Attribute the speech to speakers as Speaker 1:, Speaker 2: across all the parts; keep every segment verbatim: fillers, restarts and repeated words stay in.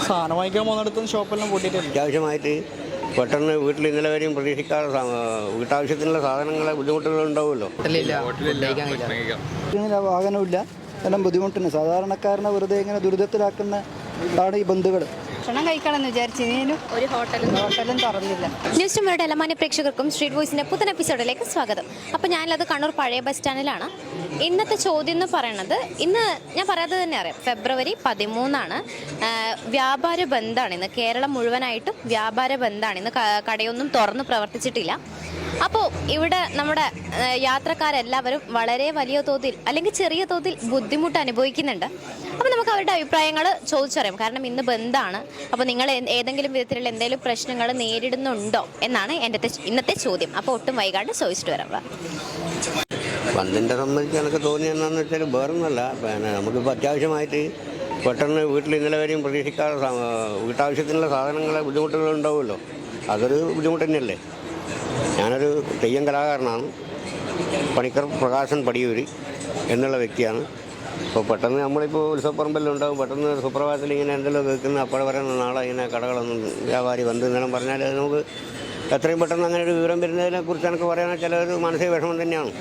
Speaker 1: സാധനം വാങ്ങിക്കാൻ പോകുന്നിടത്തും ഷോപ്പെല്ലാം പൂട്ടിയിട്ടില്ല.
Speaker 2: അത്യാവശ്യമായിട്ട് പെട്ടെന്ന് വീട്ടിൽ ഇന്നലെ വരെയും പ്രതീക്ഷിക്കാതെ വീട്ടാവശ്യത്തിനുള്ള സാധനങ്ങളെ ബുദ്ധിമുട്ടുകൾ ഉണ്ടാവുമല്ലോ.
Speaker 1: വാഹനമില്ല, എല്ലാം ബുദ്ധിമുട്ടുണ്ട്. സാധാരണക്കാരനെ വെറുതെ ഇങ്ങനെ ദുരിതത്തിലാക്കുന്ന ആണ് ഈ ബന്ധുക്കൾ.
Speaker 3: ഭക്ഷണം കഴിക്കണമെന്ന് വിചാരിച്ചതിനും ഒരു ഹോട്ടലും ഹോട്ടലും തുറന്നില്ല.
Speaker 4: ന്യൂസ് ടുമോയുടെ എല്ലാ മാന്യ പ്രേക്ഷകർക്കും സ്ട്രീറ്റ് വോയിസിന്റെ പുത്തൻ എപ്പിസോഡിലേക്ക് സ്വാഗതം. അപ്പോൾ ഞാനുള്ളത് കണ്ണൂർ പഴയ ബസ് സ്റ്റാൻഡിലാണ്. ഇന്നത്തെ ചോദ്യം എന്ന് പറയുന്നത്, ഇന്ന് ഞാൻ പറയാതെ തന്നെ അറിയാം, ഫെബ്രുവരി പതിമൂന്നാണ്. വ്യാപാര ബന്ധാണ് ഇന്ന്. കേരളം മുഴുവനായിട്ടും വ്യാപാര ബന്ധാണ് ഇന്ന്. കടയൊന്നും തുറന്ന് പ്രവർത്തിച്ചിട്ടില്ല. അപ്പോൾ ഇവിടെ നമ്മുടെ യാത്രക്കാരെല്ലാവരും വളരെ വലിയ തോതിൽ അല്ലെങ്കിൽ ചെറിയ തോതിൽ ബുദ്ധിമുട്ട് അനുഭവിക്കുന്നുണ്ട്. അപ്പോൾ നമുക്ക് അവരുടെ അഭിപ്രായങ്ങൾ ചോദിച്ചറിയാം. കാരണം ഇന്ന് ബന്ധാണ്. അപ്പോൾ നിങ്ങൾ ഏതെങ്കിലും വിധത്തിലുള്ള എന്തെങ്കിലും പ്രശ്നങ്ങൾ നേരിടുന്നുണ്ടോ എന്നാണ് എൻ്റെ ഇന്നത്തെ ചോദ്യം. അപ്പോൾ ഒട്ടും വൈകാണ്ട് ചോദിച്ചിട്ട് വരാം.
Speaker 2: ബന്ധിൻ്റെ സംബന്ധിച്ച് എനിക്ക് തോന്നിയെന്നു വെച്ചാൽ വേറൊന്നുമല്ല, പിന്നെ നമുക്കിപ്പോൾ അത്യാവശ്യമായിട്ട് പെട്ടെന്ന് വീട്ടിൽ ഇന്നലെ വരെയും പ്രതീക്ഷിക്കാതെ വീട്ടാവശ്യത്തിനുള്ള സാധനങ്ങളെ ബുദ്ധിമുട്ടുകൾ ഉണ്ടാവുമല്ലോ. അതൊരു ബുദ്ധിമുട്ട് തന്നെയല്ലേ. ഞാനൊരു തെയ്യം കലാകാരനാണ്. പണിക്കർ പ്രകാശൻ പടിയൂരി എന്നുള്ള വ്യക്തിയാണ്. അപ്പോൾ പെട്ടെന്ന് നമ്മളിപ്പോൾ ഉത്സവപ്പറമ്പെല്ലാം ഉണ്ടാകും. പെട്ടെന്ന് സുപ്രഭാതത്തിൽ ഇങ്ങനെ എന്തെല്ലാം കേൾക്കുന്ന അപ്പോഴെ പറയുന്ന നാളെ ഇങ്ങനെ കടകളൊന്നും വ്യാപാരി ബന്ധു എന്നെല്ലാം പറഞ്ഞാൽ നമുക്ക് എത്രയും പെട്ടെന്ന് അങ്ങനെ ഒരു വിവരം വരുന്നതിനെ കുറിച്ച് എനിക്ക് പറയാൻ ചില ഒരു മാനസിക വിഷമം തന്നെയാണ്.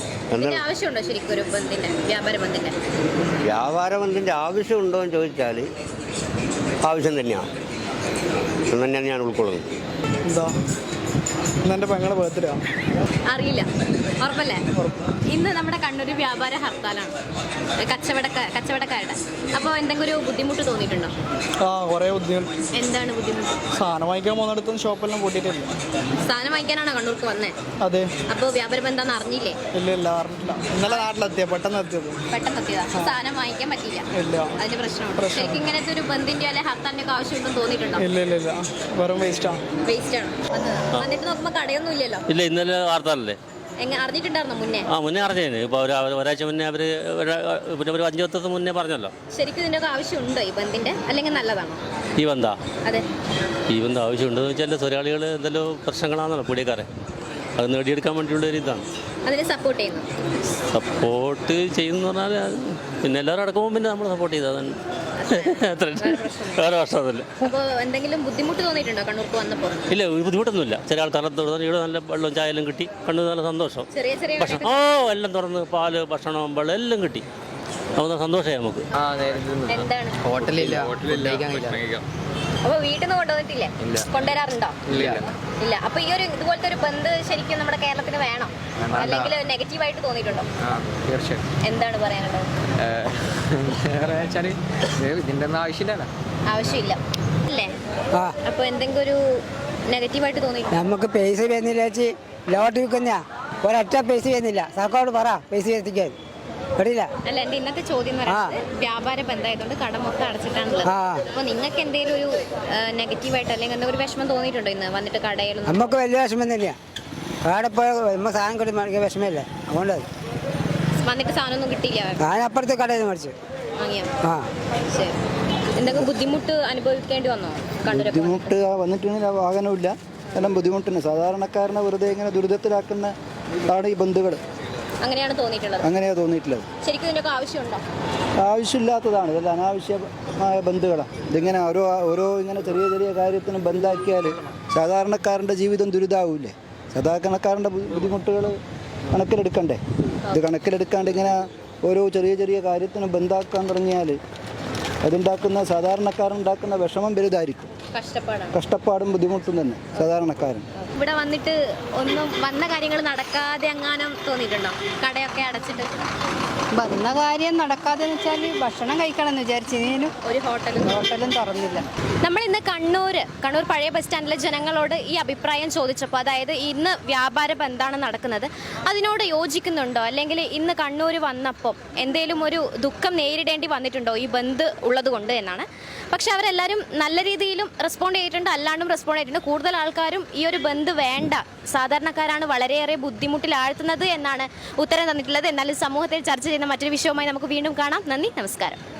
Speaker 2: വ്യാപാര ബന്ധിൻ്റെ ആവശ്യമുണ്ടോ എന്ന് ചോദിച്ചാൽ ആവശ്യം തന്നെയാണ് എന്ന് തന്നെയാണ് ഞാൻ ഉൾക്കൊള്ളുന്നത്.
Speaker 1: എന്താ ഇന്നെൻ്റെ പെങ്ങളെ ബർത്ത്ഡേ ആണ്.
Speaker 4: അറിയില്ല, ഉറപ്പല്ലേ? ഇന്ന് നമ്മുടെ കണ്ണൂർ വ്യാപാര ഹർത്താലാണ്, കച്ചവടക്കാർ കച്ചവടക്കാരുടെ. അപ്പോൾ എന്തെങ്കിലും ഒരു ബുദ്ധിമുട്ട് തോന്നിയിട്ടുണ്ടോ?
Speaker 1: ആ, കുറേ ബുദ്ധിമുട്ട്.
Speaker 4: എന്താണ് ബുദ്ധിമുട്ട്?
Speaker 1: സാധനം വാങ്ങിക്കാൻ പോകുന്നിടത്തും ഷോപ്പെല്ലാം പൂട്ടിയിട്ടില്ല.
Speaker 4: സാധനം വാങ്ങിക്കാനാണോ കണ്ണൂർക്ക് വന്നേ?
Speaker 1: അതെ.
Speaker 4: അപ്പോൾ വ്യാപാരം എന്താണെന്ന് അറിഞ്ഞില്ലേ?
Speaker 1: ഇല്ല ഇല്ല അറിഞ്ഞില്ല. ഇന്നലെ നാട്ടിലെത്തിയ പെട്ടെന്ന് എത്തിയത്
Speaker 4: പെട്ടെന്ന് എത്തിയതാ. സാധനം വാങ്ങിക്കാൻ പറ്റില്ല.
Speaker 1: ഇല്ല,
Speaker 4: അതിന് പ്രശ്നമുണ്ട്. ശരിക്കും ഇങ്ങനത്തെ ഒരു ബന്ധിന്റെ അല്ലെ ഹർത്താലിന്റെ ഒക്കെ ആവശ്യമുണ്ടെന്ന് തോന്നിയിട്ടുണ്ടോ?
Speaker 1: ഇല്ല ഇല്ല ഇല്ല വെറും വേസ്റ്റ് ആണ്.
Speaker 4: വേസ്റ്റ് ആണ്. വന്നിട്ട് നോക്കുമ്പോൾ കടയൊന്നും ഇല്ലല്ലോ.
Speaker 5: ഇല്ല, ഇന്നലെ വാർത്തല്ലേ.
Speaker 4: അറിഞ്ഞിട്ടുണ്ടായിരുന്നോ മുന്നേ?
Speaker 5: ആ, മുന്നേ അറിഞ്ഞു. ഇപ്പോൾ ഒരു ഒരാഴ്ച മുന്നേ അവർ പിന്നെ ഒരു അഞ്ചു പത്ത് മുന്നേ പറഞ്ഞല്ലോ.
Speaker 4: ശരിക്കും ഇതിൻ്റെ ഒക്കെ ആവശ്യമുണ്ടോ ഈ ബന്ധിന്റെ, അല്ലെങ്കിൽ നല്ലതാണോ
Speaker 5: ഈ ബന്ധാ?
Speaker 4: അതെ,
Speaker 5: ഈ ബന്ധം ആവശ്യമുണ്ടെന്ന് വെച്ചാൽ തൊഴിലാളികൾ എന്തെല്ലോ പ്രശ്നങ്ങളാണല്ലോ പീടിയക്കാരെ, അത് നേടിയെടുക്കാൻ വേണ്ടിയുള്ള ഒരു ഇതാണ്.
Speaker 4: അതിനെ സപ്പോർട്ട് ചെയ്യുന്നു.
Speaker 5: സപ്പോർട്ട് ചെയ്യുന്നു പറഞ്ഞാൽ പിന്നെ എല്ലാവരും അടക്കുമ്പോൾ പിന്നെ നമ്മൾ സപ്പോർട്ട് ചെയ്താൽ അത്ര വേറെ പ്രശ്നമൊന്നുമില്ല.
Speaker 4: അപ്പോൾ എന്തെങ്കിലും ബുദ്ധിമുട്ട് തോന്നിയിട്ടുണ്ടോ കണ്ണൂർക്ക് വന്നപ്പോൾ?
Speaker 5: ഇല്ല, ബുദ്ധിമുട്ടൊന്നുമില്ല. ചില ആൾക്കാരെ തുറന്ന് ഇവിടെ നല്ല വെള്ളവും ചായയെല്ലാം കിട്ടി, കണ്ണൂർ നല്ല സന്തോഷം.
Speaker 4: ചെറിയ ചെറിയ
Speaker 5: ഭക്ഷണം ഓ എല്ലാം തുറന്ന് പാല് ഭക്ഷണം വെള്ളം എല്ലാം കിട്ടി. നമുക്ക് സന്തോഷമായി. നമുക്ക്
Speaker 4: എന്താണ്
Speaker 6: ഹോട്ടലില്ല.
Speaker 4: അപ്പൊ വീട്ടിൽ നിന്ന് കൊണ്ടുവന്നിട്ടില്ലേ? കൊണ്ടുവരാറുണ്ടോ? ഇല്ല. അപ്പൊ ഈ ഒരു ഇതുപോലത്തെ ഒരു ബന്ധ് ശരിക്കും നമ്മുടെ കേരളത്തിന് വേണം, അല്ലെങ്കിൽ നെഗറ്റീവായിട്ട് തോന്നിയിട്ടുണ്ടോ? എന്താണ് പറയാനുള്ളത്?
Speaker 6: ഇതിന്റെ ഒന്നും ആവശ്യമില്ല.
Speaker 4: ആവശ്യമില്ല അല്ലേ? അപ്പൊ എന്തെങ്കിലും ഒരു നെഗറ്റീവായിട്ട് തോന്നിയിട്ടുണ്ടോ?
Speaker 7: നമുക്ക് പൈസ വരുന്നില്ല ചേച്ചി, ലോട്ട് വിൽക്കുന്ന ഒരൊറ്റ പൈസ വരുന്നില്ല. സർക്കാരോട് പറ പൈസ എത്തിക്കാൻ.
Speaker 4: അല്ല, എന്റെ ഇന്നത്തെ ചോദ്യം എന്ന് പറയുന്നത് വ്യാപാര ബന്ധമായതുകൊണ്ട് കട മൊത്തം അടച്ചിട്ടാണുള്ളത്. അപ്പൊ നിങ്ങൾക്ക് എന്തെങ്കിലും ഒരു നെഗറ്റീവായിട്ട് അല്ലെങ്കിൽ എന്തെങ്കിലും ഒരു വിഷമം തോന്നിയിട്ടുണ്ടോ ഇന്ന് വന്നിട്ട് കടയിൽ?
Speaker 7: നമുക്ക് വലിയ വിഷമം തന്നെയാ. അവിടെ പോയ സാധനം കിട്ടി മേടിക്കാൻ വിഷമമില്ല. അതുകൊണ്ട്
Speaker 4: വന്നിട്ട് സാധനം ഒന്നും കിട്ടിയില്ല.
Speaker 7: ഞാൻ അപ്പുറത്തെ കടയിൽ മേടിച്ചു
Speaker 4: വാങ്ങിയോ? ആ, ശരി. എന്തെങ്കിലും ബുദ്ധിമുട്ട് അനുഭവിക്കേണ്ടി വന്നോ കണ്ണൂർ?
Speaker 1: ബുദ്ധിമുട്ട് വന്നിട്ടുണ്ടെങ്കിൽ വാഹനമില്ല, എല്ലാം ബുദ്ധിമുട്ടുണ്ട്. സാധാരണക്കാരനെ വെറുതെ ഇങ്ങനെ ദുരിതത്തിലാക്കുന്ന ആണ് ഈ ബന്ധുക്കൾ.
Speaker 4: അങ്ങനെയാണ് തോന്നിയിട്ടുള്ളത്?
Speaker 1: അങ്ങനെയാണ് തോന്നിയിട്ടുള്ളത്.
Speaker 4: ശരിക്കും ഇതിനൊക്കെ ആവശ്യമുണ്ടോ?
Speaker 1: ആവശ്യമില്ലാത്തതാണ്, ഇതെല്ലാം അനാവശ്യമായ ബന്ധുക്കളാണ്. ഇതിങ്ങനെ ഓരോ ഓരോ ഇങ്ങനെ ചെറിയ ചെറിയ കാര്യത്തിന് ബന്ധാക്കിയാൽ സാധാരണക്കാരൻ്റെ ജീവിതം ദുരിതാവൂലേ? സാധാരണക്കാരൻ്റെ ബുദ്ധിമുട്ടുകൾ കണക്കിലെടുക്കണ്ടേ? ഇത് കണക്കിലെടുക്കാണ്ട് ഇങ്ങനെ ഓരോ ചെറിയ ചെറിയ കാര്യത്തിന് ബന്ധാക്കാൻ തുടങ്ങിയാൽ അതുണ്ടാക്കുന്ന സാധാരണക്കാരുണ്ടാക്കുന്ന വിഷമം വലുതായിരിക്കും. കഷ്ടപ്പാടും ബുദ്ധിമുട്ടും തന്നെ സാധാരണക്കാരൻ.
Speaker 4: ഇവിടെ വന്നിട്ട് ഒന്നും വന്ന കാര്യങ്ങൾ നടക്കാതെ എങ്ങാനും തോന്നിയിട്ടുണ്ടോ? കടയൊക്കെ അടച്ചിട്ട്
Speaker 3: വന്ന കാര്യം നടക്കാതെ വെച്ചാൽ ഭക്ഷണം കഴിക്കണമെന്ന് വിചാരിച്ചതിനും ഒരു ഹോട്ടലും ഹോട്ടലും തുറന്നില്ല.
Speaker 4: നമ്മൾ ഇന്ന് കണ്ണൂർ കണ്ണൂർ പഴയ ബസ് സ്റ്റാൻഡിലെ ജനങ്ങളോട് ഈ അഭിപ്രായം ചോദിച്ചപ്പോൾ, അതായത് ഇന്ന് വ്യാപാര ബന്ധാണ് നടക്കുന്നത്, അതിനോട് യോജിക്കുന്നുണ്ടോ? അല്ലെങ്കിൽ ഇന്ന് കണ്ണൂർ വന്നപ്പോൾ എന്തെങ്കിലും ഒരു ദുഃഖം നേരിടേണ്ടി വന്നിട്ടുണ്ടോ ഈ ബന്ദ് ഉള്ളത് കൊണ്ട് എന്നാണ്. പക്ഷെ അവരെല്ലാവരും നല്ല രീതിയിലും റെസ്പോണ്ട് ചെയ്തിട്ടുണ്ട്, അല്ലാണ്ടും റെസ്പോണ്ട് ചെയ്തിട്ടുണ്ട്. കൂടുതൽ ആൾക്കാരും ഈ ഒരു ബന്ദ് വേണ്ട, സാധാരണക്കാരാണ് വളരെയേറെ ബുദ്ധിമുട്ടിലാഴ്ത്തുന്നത് എന്നാണ് ഉത്തരം തന്നിട്ടുള്ളത്. എന്നാലും സമൂഹത്തിൽ ചർച്ച ചെയ്യുന്ന മറ്റൊരു വിഷയവുമായി നമുക്ക് വീണ്ടും കാണാം. നന്ദി, നമസ്കാരം.